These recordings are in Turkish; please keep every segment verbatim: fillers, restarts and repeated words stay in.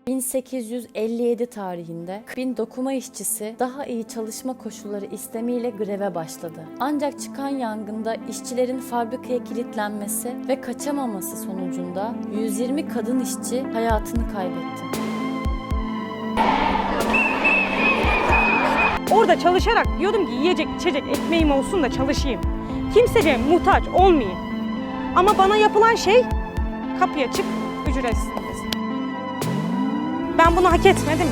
bin sekiz yüz elli yedi tarihinde bin dokuma işçisi daha iyi çalışma koşulları istemiyle greve başladı. Ancak çıkan yangında işçilerin fabrikaya kilitlenmesi ve kaçamaması sonucunda yüz yirmi kadın işçi hayatını kaybetti. Orada çalışarak diyordum ki yiyecek, içecek, ekmeğim olsun da çalışayım. Kimseye muhtaç olmayayım. Ama bana yapılan şey kapıya çık, ücretsiz. Ben bunu hak etmedim.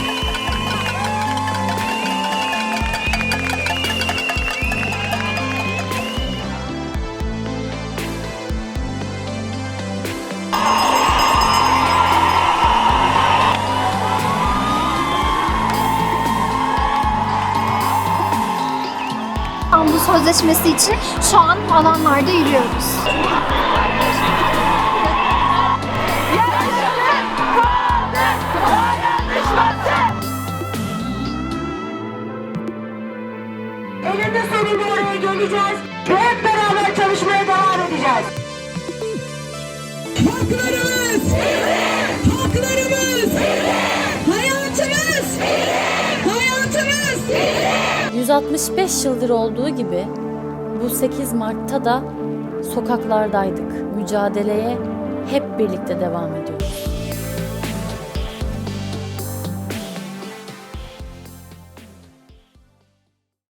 İstanbul Sözleşmesi için şu an alanlarda yürüyoruz. Elinde sonunda oraya geleceğiz ve hep beraber çalışmaya devam edeceğiz. Haklarımız! Haklarımız! Hayatımız! Hayatımız! yüz altmış beş yıldır olduğu gibi bu sekiz Mart'ta da sokaklardaydık. Mücadeleye hep birlikte devam ediyoruz.